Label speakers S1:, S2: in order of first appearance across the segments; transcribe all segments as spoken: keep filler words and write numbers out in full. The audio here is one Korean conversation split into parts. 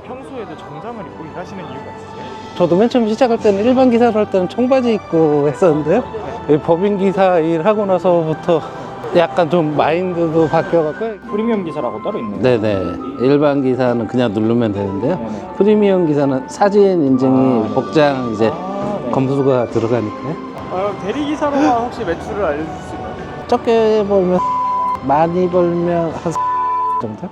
S1: 평소에도 정장을 입고 일하시는 이유가 있으세요?
S2: 저도 맨 처음 시작할 때는 일반 기사로 할 때는 청바지 입고 했었는데요. 이 법인 기사 일하고 나서부터 약간 좀 마인드도 바뀌어갖고.
S1: 프리미엄 기사라고 따로 있네요.
S2: 네네. 일반 기사는 그냥 누르면 되는데요.
S1: 네네.
S2: 프리미엄 기사는 사진 인증이
S1: 아,
S2: 복장 이제
S1: 아, 네.
S2: 검수가 들어가니까요.
S1: 아, 대리 기사로만 혹시 매출을 알려줄 수 있나요?
S2: 적게 벌면 많이 벌면 한 정도?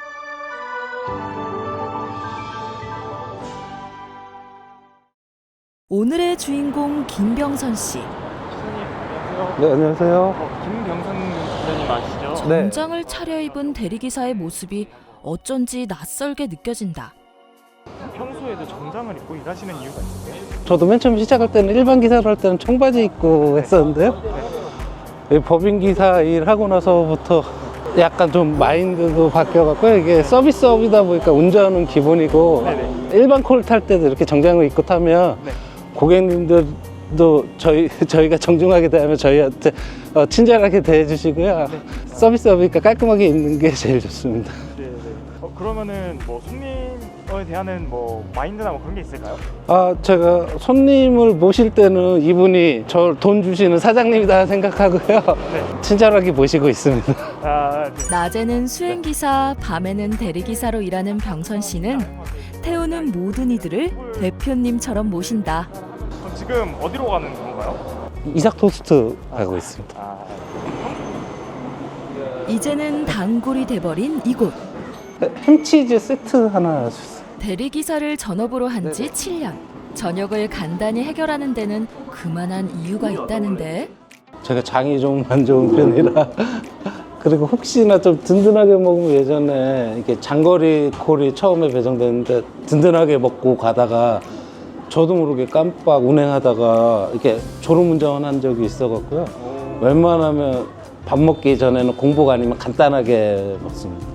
S3: 오늘의 주인공 김병선 씨.
S1: 안녕하세요.
S2: 네, 안녕하세요.
S1: 어, 김병선 기자님 아시죠?
S2: 네.
S3: 정장을 차려입은 대리기사의 모습이 어쩐지 낯설게 느껴진다.
S1: 평소에도 정장을 입고 일하시는 이유가 있으세요?
S2: 저도 맨 처음 시작할 때는 일반 기사로 할 때는 청바지 입고 했었는데요. 이 법인 기사 일하고 나서부터 약간 좀 마인드도 바뀌어갖고 이게 서비스업이다 보니까 운전은 기본이고
S1: 네네.
S2: 일반 콜 탈 때도 이렇게 정장을 입고 타면
S1: 네.
S2: 고객님들도 저희, 저희가 정중하게 대하면 저희한테 어, 친절하게 대해주시고요.
S1: 네.
S2: 서비스업이니까 깔끔하게 입는 게 제일 좋습니다.
S1: 네, 네. 어, 그러면은 뭐 손님에 대한 뭐 마인드나 뭐 그런 게 있을까요?
S2: 아, 제가 손님을 모실 때는 이분이 저 돈 주시는 사장님이다 생각하고요.
S1: 네.
S2: 친절하게 모시고 있습니다.
S1: 아, 네.
S3: 낮에는 수행기사, 밤에는 대리기사로 일하는 병선 씨는 태우는 모든 이들을 대표님처럼 모신다.
S1: 그럼 지금 어디로 가는 건가요?
S2: 이삭 토스트 하고 있습니다.
S1: 아,
S3: 이제는 단골이 돼버린 이곳.
S2: 햄치즈 세트 하나 주세요.
S3: 대리기사를 전업으로 한 지 칠 년. 저녁을 간단히 해결하는 데는 그만한 이유가 있다는데.
S2: 제가 장이 좀 안 좋은 편이라 그리고 혹시나 좀 든든하게 먹으면 예전에 이게 장거리 콜이 처음에 배정됐는데 든든하게 먹고 가다가 저도 모르게 깜빡 운행하다가 이렇게 졸음운전한 적이 있어갖고요. 웬만하면 밥 먹기 전에는 공복 아니면 간단하게 먹습니다.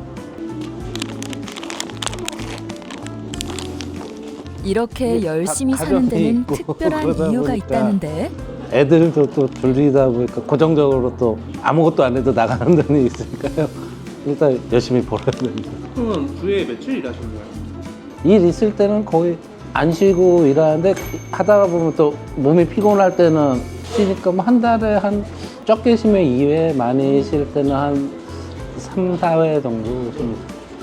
S3: 이렇게 열심히
S2: 가-
S3: 사는 데는
S2: 가정이 있고
S3: 특별한
S2: 그러다
S3: 이유가
S2: 보니까
S3: 있다는데.
S2: 애들도 또 둘이다 보니까 고정적으로 또 아무것도 안 해도 나가는 돈이 있으니까요. 일단 열심히 벌어야 됩니다.
S4: 그러면 주에 며칠 일하시는 거예요?
S2: 일 있을 때는 거의 안 쉬고 일하는데 하다가 보면 또 몸이 피곤할 때는 쉬니까 뭐 한 달에 한 적게 쉬면 이 회, 많이 쉴 때는 한 삼, 사 회 정도 쉽니다.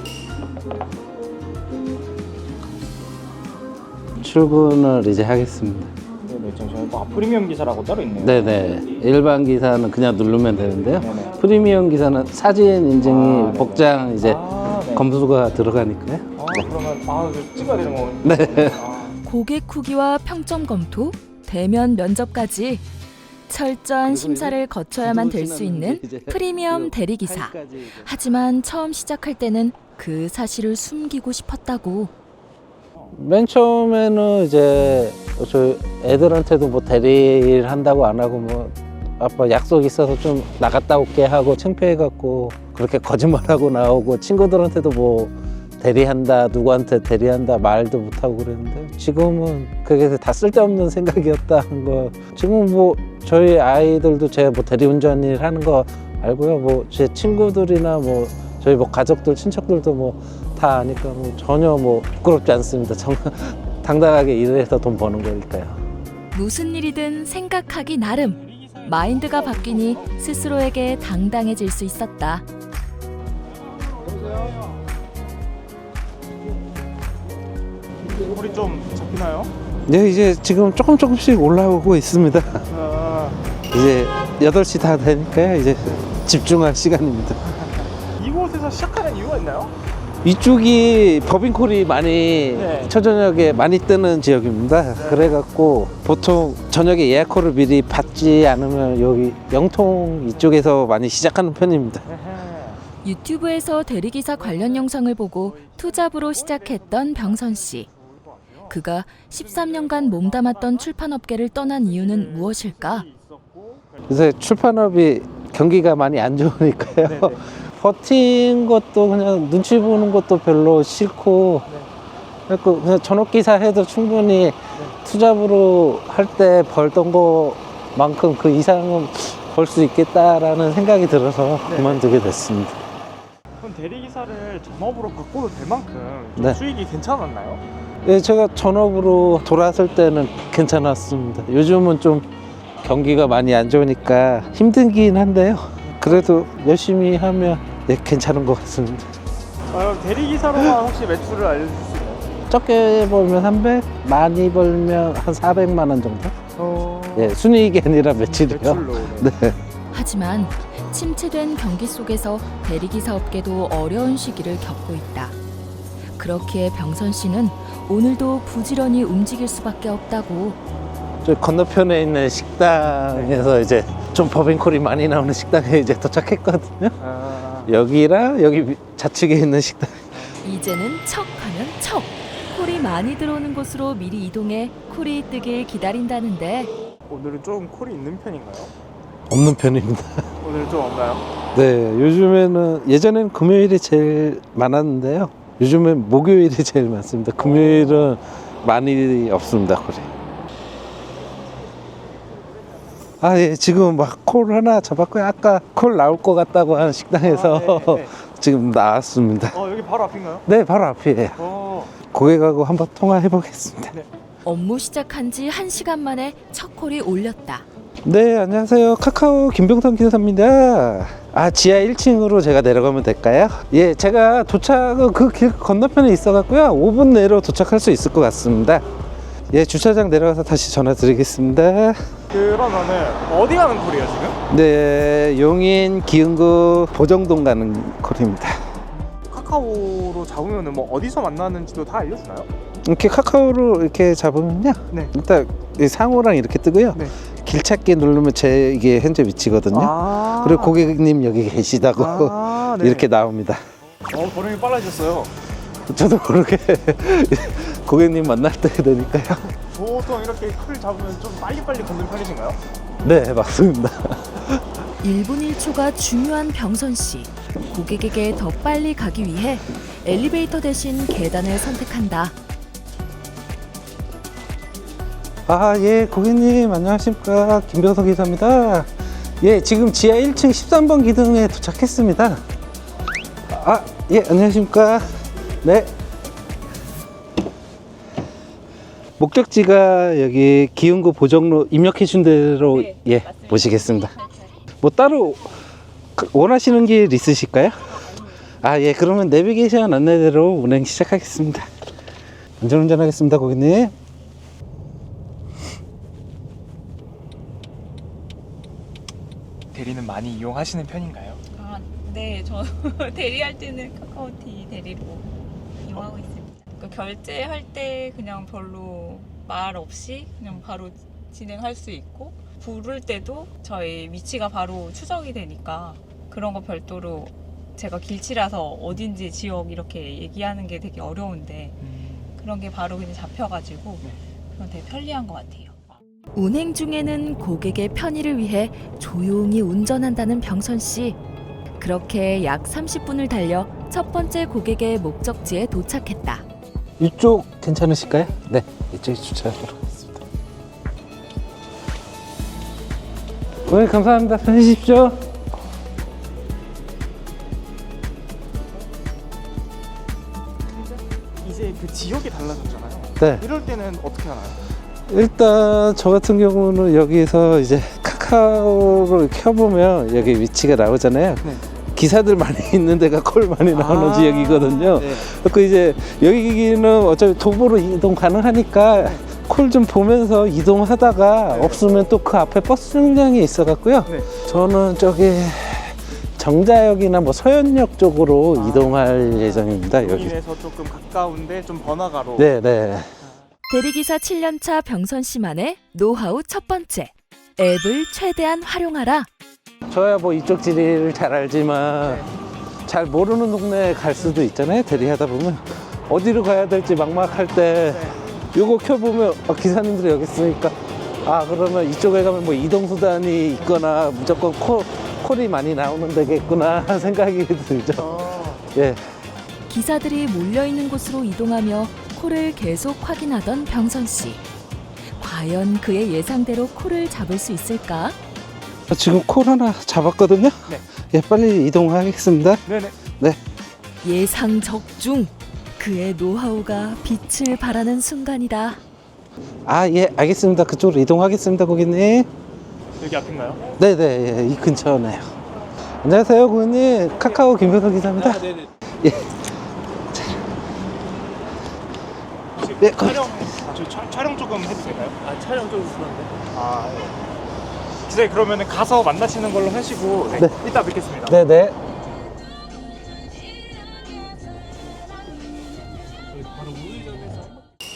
S2: 출근을 이제 하겠습니다.
S1: 네네. 잠시만요. 아, 프리미엄 기사라고 따로 있네요.
S2: 네네. 일반 기사는 그냥 누르면 되는데요.
S1: 네네.
S2: 프리미엄 기사는 사진 인증이
S1: 아, 네네.
S2: 복장 이제
S1: 아, 네.
S2: 검수가 들어가니까요.
S1: 아, 그러면 아, 이거 찍어야 되는 거군요.
S2: 네.
S1: 아,
S3: 고객 후기와 평점 검토, 대면 면접까지 철저한 심사를 거쳐야만 될 수 있는 프리미엄 대리기사. 하지만 처음 시작할 때는 그 사실을 숨기고 싶었다고.
S2: 맨 처음에는 이제 저 애들한테도 뭐 대리일 한다고 안 하고 뭐 아빠 약속 있어서 좀 나갔다 올게 하고 창피해갖고 그렇게 거짓말하고 나오고 친구들한테도 뭐 대리한다 누구한테 대리한다 말도 못하고 그랬는데 지금은 그게 다 쓸데없는 생각이었다 한 거. 지금 뭐 저희 아이들도 제가 뭐 대리운전 일 하는 거 알고요. 뭐 제 친구들이나 뭐 저희 뭐 가족들 친척들도 뭐 다 아니까 뭐 전혀 뭐 부끄럽지 않습니다. 정말 당당하게 일을 해서 돈 버는 거니까요.
S3: 무슨 일이든 생각하기 나름. 마인드가 바뀌니 스스로에게 당당해질 수 있었다.
S1: 물이 좀 잡히나요?
S2: 네, 이제 지금 조금 조금씩 올라오고 있습니다.
S1: 아,
S2: 이제 여덟 시 다 되니까 이제 집중할 시간입니다.
S1: 이곳에서 시작하는 이유가 있나요?
S2: 이쪽이 법인콜이 많이
S1: 네.
S2: 초저녁에 많이 뜨는 지역입니다. 그래갖고 보통 저녁에 예약콜을 미리 받지 않으면 여기 영통 이쪽에서 많이 시작하는 편입니다.
S3: 유튜브에서 대리기사 관련 영상을 보고 투잡으로 시작했던 병선 씨. 그가 십삼 년간 몸담았던 출판업계를 떠난 이유는 무엇일까?
S2: 요새 출판업이 경기가 많이 안 좋으니까요.
S1: 네네.
S2: 버틴 것도 그냥 눈치 보는 것도 별로 싫고 그래서 그냥 전업기사 해도 충분히 투잡으로 할 때 벌던 거만큼 그 이상은 벌 수 있겠다라는 생각이 들어서
S1: 네.
S2: 그만두게 됐습니다.
S1: 그럼 대리기사를 전업으로 바꿔도 될 만큼 좀
S2: 네.
S1: 수익이 괜찮았나요?
S2: 예, 제가 전업으로 돌아설 때는 괜찮았습니다. 요즘은 좀 경기가 많이 안 좋으니까 힘들긴 한데요. 그래도 열심히 하면 예, 괜찮은 것 같습니다.
S1: 아, 대리기사로만 혹시 매출을 알려주실 수 있나요?
S2: 적게 벌면 삼백, 많이 벌면 한 사백만 원 정도?
S1: 어...
S2: 예, 순이익이 아니라 매출이요.
S1: 매출로. 네.
S2: 네.
S3: 하지만 침체된 경기 속에서 대리기사 업계도 어려운 시기를 겪고 있다. 그렇기에 병선 씨는 오늘도 부지런히 움직일 수밖에 없다고.
S2: 저 건너편에 있는 식당에서 이제 좀 법인콜이 많이 나오는 식당에 이제 도착했거든요.
S1: 아...
S2: 여기랑 여기 위- 좌측에 있는 식당.
S3: 이제는 척하면 척. 콜이 많이 들어오는 곳으로 미리 이동해 콜이 뜨길 기다린다는데
S1: 오늘은 좀 콜이 있는 편인가요?
S2: 없는 편입니다.
S1: 오늘 좀 없나요?
S2: 네, 요즘에는 예전에는 금요일이 제일 많았는데요. 요즘엔 목요일이 제일 많습니다. 금요일은 많이 없습니다, 콜이. 아, 예, 지금 막 콜 하나 잡았고요. 아까 콜 나올 것 같다고 하는 식당에서
S1: 아, 네, 네.
S2: 지금 나왔습니다.
S1: 어, 여기 바로 앞인가요?
S2: 네, 바로 앞이에요.
S1: 어...
S2: 고객하고 한번 통화해 보겠습니다.
S3: 업무 시작한 지 한 시간 만에 첫 콜이 올렸다.
S2: 네, 안녕하세요. 카카오 김병선 기사입니다. 아, 지하 일 층으로 제가 내려가면 될까요? 예, 제가 도착은 그 길 건너편에 있어갖고요. 오 분 내로 도착할 수 있을 것 같습니다. 예, 주차장 내려가서 다시 전화 드리겠습니다.
S1: 그러면은 어디 가는 콜이에요 지금?
S2: 네, 용인 기흥구 보정동 가는 콜입니다.
S1: 카카오로 잡으면은 뭐 어디서 만나는지도 다 알려주나요?
S2: 이렇게 카카오로 이렇게 잡으면요.
S1: 네.
S2: 일단 이 상호랑 이렇게 뜨고요.
S1: 네.
S2: 길 찾기 누르면 제 이게 현재 위치거든요.
S1: 아...
S2: 그리고 고객님 여기 계시다고
S1: 아, 네.
S2: 이렇게 나옵니다.
S1: 어, 번호이 빨라졌어요.
S2: 저도 모르게 고객님 만날 때 되니까요.
S1: 보통 이렇게 콜 잡으면 좀 빨리빨리 걷는 편이신가요?
S2: 네, 맞습니다.
S3: 일 분 일 초가 중요한 병선 씨. 고객에게 더 빨리 가기 위해 엘리베이터 대신 계단을 선택한다.
S2: 아, 예, 고객님 안녕하십니까. 김병석 기사입니다. 예, 지금 지하 일 층 십삼 번 기둥에 도착했습니다. 아, 예, 안녕하십니까. 네. 목적지가 여기 기흥구 보정로 입력해 준 대로
S5: 네,
S2: 예,
S5: 맞습니다.
S2: 모시겠습니다. 뭐 따로 그- 원하시는 길 있으실까요? 아, 예, 그러면 내비게이션 안내대로 운행 시작하겠습니다. 안전운전 하겠습니다, 고객님.
S1: 대리는 많이 이용하시는 편인가요?
S5: 아, 네, 저 대리할 때는 카카오티 대리로 이용하고 있습니다. 그 결제할 때 그냥 별로 말 없이 그냥 바로 진행할 수 있고, 부를 때도 저희 위치가 바로 추적이 되니까 그런 거 별도로 제가 길치라서 어딘지 지역 이렇게 얘기하는 게 되게 어려운데 그런 게 바로 그냥 잡혀가지고 그건 되게 편리한 것 같아요.
S3: 운행 중에는 고객의 편의를 위해 조용히 운전한다는 병선 씨. 그렇게 약 삼십 분을 달려 첫 번째 고객의 목적지에 도착했다.
S2: 이쪽 괜찮으실까요? 네, 이쪽에 주차하도록 하겠습니다. 네, 감사합니다. 편히십시오.
S1: 이제 그 지역이 달라졌잖아요.
S2: 네,
S1: 이럴 때는 어떻게 하나요?
S2: 일단 저 같은 경우는 여기서 이제 카카오를 켜보면 여기 위치가 나오잖아요.
S1: 네.
S2: 기사들 많이 있는 데가 콜 많이 나오는
S1: 아,
S2: 지역이거든요.
S1: 네.
S2: 그 이제 여기는 어차피 도보로 이동 가능하니까 콜 좀 보면서 이동하다가
S1: 네.
S2: 없으면 또 그 앞에 버스 정류장이 있어갖고요.
S1: 네.
S2: 저는 저기 정자역이나 뭐 서현역 쪽으로
S1: 아.
S2: 이동할 예정입니다. 여기.
S1: 용인에서 조금 가까운데 좀 번화가로.
S2: 네, 네.
S3: 대리기사 칠 년 차 병선 씨만의 노하우 첫 번째. 앱을 최대한 활용하라.
S2: 저야 뭐 이쪽 지리를 잘 알지만 잘 모르는 동네에 갈 수도 있잖아요. 대리하다 보면 어디로 가야 될지 막막할 때 요거 켜보면 아, 기사님들이 여기 있으니까 아 그러면 이쪽에 가면 뭐 이동수단이 있거나 무조건 콜, 콜이 많이 나오는 데겠구나 하는 생각이 들죠.
S1: 어.
S2: 예.
S3: 기사들이 몰려있는 곳으로 이동하며 콜을 계속 확인하던 병선 씨. 과연 그의 예상대로 콜을 잡을 수 있을까?
S2: 지금 콜 하나 잡았거든요.
S1: 네.
S2: 예, 빨리 이동하겠습니다.
S1: 네네.
S2: 네.
S3: 예상 적중. 그의 노하우가 빛을 발하는 순간이다.
S2: 아, 예, 알겠습니다. 그쪽으로 이동하겠습니다, 고객님.
S1: 여기 앞인가요?
S2: 네네, 예, 이 근처네요. 안녕하세요, 고객님. 카카오 김효석 기사입니다.
S4: 아, 네네.
S2: 예.
S1: 혹시
S2: 네,
S1: 촬영, 아, 저 촬- 촬영 조금 해도 될까요?
S4: 아, 촬영 좀 그런데.
S1: 아, 예. 기사님 그러면은 가서 만나시는 걸로 하시고 네,
S2: 네.
S1: 이따 뵙겠습니다.
S2: 네네.
S4: 바로 우회전해서.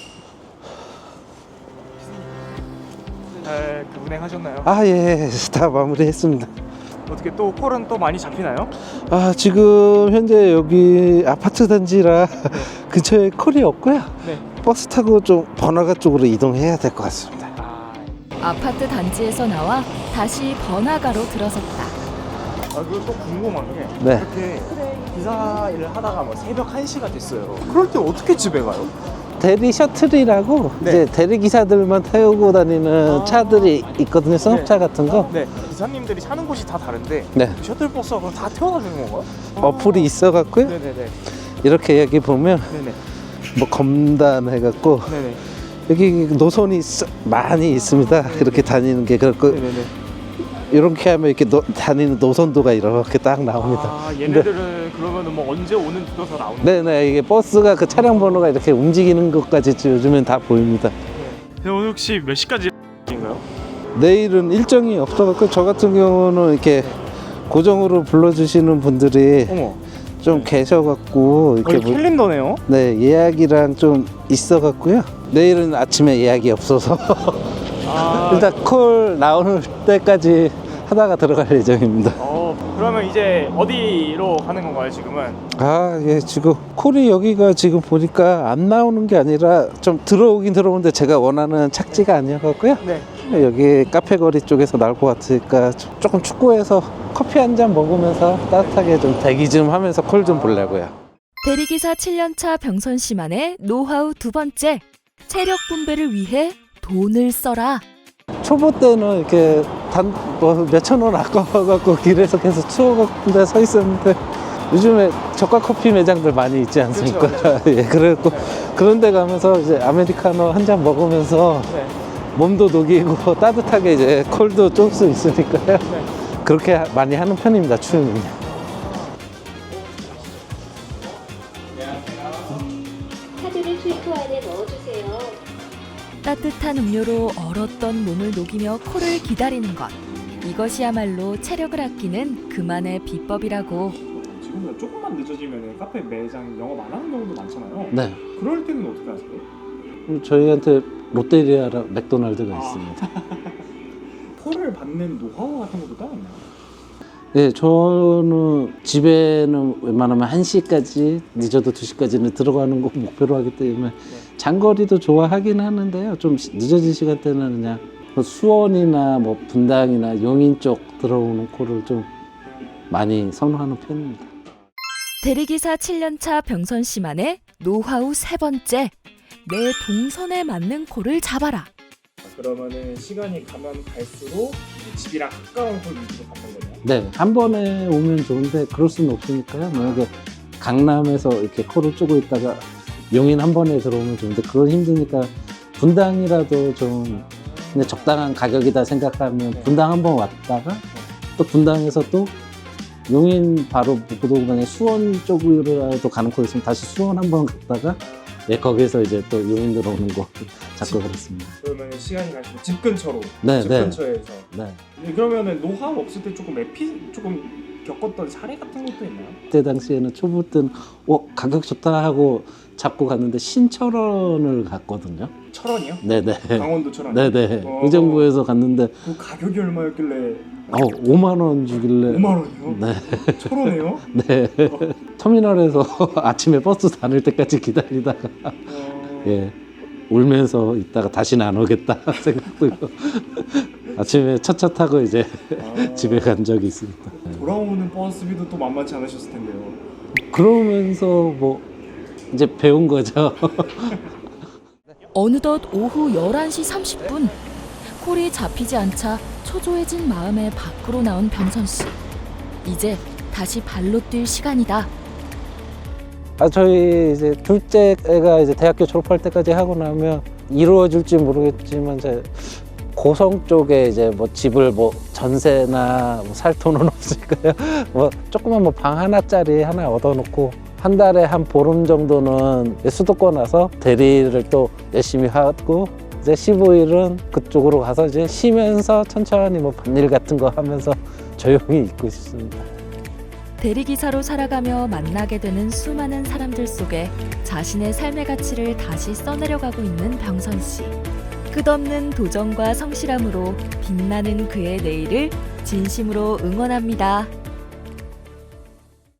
S1: 잘 그 운행하셨나요?
S2: 아, 예, 다 마무리했습니다.
S1: 어떻게 또 콜은 또 많이 잡히나요?
S2: 아, 지금 현재 여기 아파트 단지라 근처에 콜이 없고요.
S1: 네.
S2: 버스 타고 좀 번화가 쪽으로 이동해야 될 것 같습니다.
S1: 아,
S3: 아파트 단지에서 나와 다시 번화가로 들어섰다.
S1: 아 그리고 또 궁금한 게
S2: 네.
S1: 이렇게 기사 일을 하다가 뭐 새벽 한 시가 됐어요. 그럴 때 어떻게 집에 가요?
S2: 대리 셔틀이라고
S1: 네.
S2: 이제 대리 기사들만 태우고 다니는
S1: 아.
S2: 차들이 있거든요. 승합차 같은 거.
S1: 네. 기사님들이 사는 곳이 다 다른데
S2: 네.
S1: 셔틀버스가 그럼 다 태워다 주는 건가요?
S2: 어플이 있어갖고요.
S1: 네네네.
S2: 이렇게 여기 보면
S1: 네네.
S2: 뭐 검단 해갖고
S1: 네네.
S2: 여기 노선이 써- 많이 있습니다. 이렇게 다니는 게 그렇고
S1: 네네네.
S2: 이렇게 하면 이렇게 노, 다니는 노선도가 이렇게 딱 나옵니다.
S1: 아 얘네들은 그러면은 뭐 언제 오는 tud어서 나오는
S2: 네네, 이게 버스가 그 차량 번호가 이렇게 움직이는 것까지 요즘엔 다 보입니다.
S1: 네, 오늘 혹시 몇 시까지 인가요?
S2: 내일은 일정이 없어갖고 저 같은 경우는 이렇게 고정으로 불러주시는 분들이
S1: 어머.
S2: 좀 계셔갖고 이렇게
S1: 여기
S2: 뭐-
S1: 캘린더네요.
S2: 네, 예약이랑 좀 있어갖고요. 내일은 아침에 예약이 없어서
S1: 아.
S2: 일단 콜 나오는 때까지 하다가 들어갈 예정입니다.
S1: 어 그러면 이제 어디로 가는 건가요 지금은?
S2: 아, 예, 지금 콜이 여기가 지금 보니까 안 나오는 게 아니라 좀 들어오긴 들어오는데 제가 원하는 착지가 아니어갖고요.
S1: 네.
S2: 여기 카페거리 쪽에서 나올 것 같으니까 조- 조금 축구해서 커피 한 잔 먹으면서 따뜻하게 좀 대기 좀 하면서 콜 좀 보려고요.
S3: 대리기사 칠 년차 병선 씨만의 노하우 두 번째. 체력 분배를 위해 돈을 써라.
S2: 초보 때는 이렇게 단 뭐 몇천 원 아까워갖고 길에서 계속 추워갖고 데서 있었는데 요즘에 저가 커피 매장들 많이 있지 않습니까?
S1: 그렇죠,
S2: 예, 그래갖고 그런 데 가면서 이제 아메리카노 한 잔 먹으면서
S1: 네.
S2: 몸도 녹이고 따뜻하게 이제 콜도 쫄 수 있으니까요.
S1: 네.
S2: 그렇게 하- 많이 하는 편입니다, 추우면요.
S6: 카드를 출구 안에 넣어주세요.
S3: 따뜻한 음료로 얼었던 몸을 녹이며 콜을 기다리는 것. 이것이야말로 체력을 아끼는 그만의 비법이라고.
S1: 지금 조금만 늦어지면 카페 매장 영업 안 하는 경우도 많잖아요.
S2: 네.
S1: 그럴 때는 어떻게 하세요?
S2: 그럼 저희한테 롯데리아랑 맥도날드가 있습니다.
S1: 콜을 받는 노하우 같은 것도 따로 있나요?
S2: 네, 저는 집에는 웬만하면 한 시까지 늦어도 두 시까지는 들어가는 거 목표로 하기 때문에 장거리도 좋아하긴 하는데요. 좀 시- 늦어진 시간대는 그냥 뭐 수원이나 뭐 분당이나 용인 쪽 들어오는 콜을 좀 많이 선호하는 편입니다.
S3: 대리기사 칠 년차 병선 씨만의 노하우 세 번째. 내 동선에 맞는 콜을 잡아라.
S1: 그러면은 시간이 가면 갈수록 집이랑 가까운 콜 위주로 받는 거예요?
S2: 네, 한 번에 오면 좋은데 그럴 수는 없으니까요. 만약에 강남에서 이렇게 콜을 쪼고 있다가 용인 한 번에 들어오면 좋은데 그건 힘드니까 분당이라도 좀 근데 적당한 가격이다 생각하면 분당 한 번 왔다가 또 분당에서 또 용인 바로 무도구간에 수원 쪽으로라도 가는 코 있으면 다시 수원 한 번 갔다가 네, 거기서 이제 또 용인 들어오는 거 자꾸 그렇습니다.
S1: 그러면 시간이 갈수록 집 근처로
S2: 네,
S1: 집
S2: 네.
S1: 근처에서
S2: 네.
S1: 그러면은 노하우 없을 때 조금 에피 조금 겪었던 사례 같은 것도 있나요?
S2: 그때 당시에는 초보 때는 어, 가격 좋다 하고 잡고 갔는데 신철원을 갔거든요.
S1: 철원이요?
S2: 네네.
S1: 강원도 철원.
S2: 네네.
S1: 어.
S2: 의정부에서 갔는데
S1: 그 가격이 얼마였길래
S2: 어, 오만 원 주길래
S1: 오만 원이요?
S2: 네.
S1: 철원에요?
S2: 네. 터미널에서 아침에 버스 다닐 때까지 기다리다가
S1: 어...
S2: 예. 울면서 있다가 다시는 안 오겠다 생각도 아침에 첫차 타고 이제
S1: 아...
S2: 집에 간 적이 있습니다.
S1: 돌아오는 버스비도 또 만만치 않으셨을 텐데요.
S2: 그러면서 뭐 이제 배운 거죠.
S3: 어느덧 오후 열한 시 삼십 분. 콜이 잡히지 않자 초조해진 마음에 밖으로 나온 병선 씨. 이제 다시 발로 뛸 시간이다.
S2: 아 저희 이제 둘째 애가 이제 대학교 졸업할 때까지 하고 나면 이루어질지 모르겠지만 이제 고성 쪽에 이제 뭐 집을 뭐 전세나 뭐 살 돈은 없으니까요. 뭐 조그만 뭐 방 하나짜리 하나 얻어놓고 한 달에 한 보름 정도는 수도권 와서 대리를 또 열심히 하고 이제 십오 일은 그쪽으로 가서 이제 쉬면서 천천히 뭐 밭일 같은 거 하면서 조용히 있고 있습니다.
S3: 대리기사로 살아가며 만나게 되는 수많은 사람들 속에 자신의 삶의 가치를 다시 써내려가고 있는 병선 씨. 끝없는 도전과 성실함으로 빛나는 그의 내일을 진심으로 응원합니다.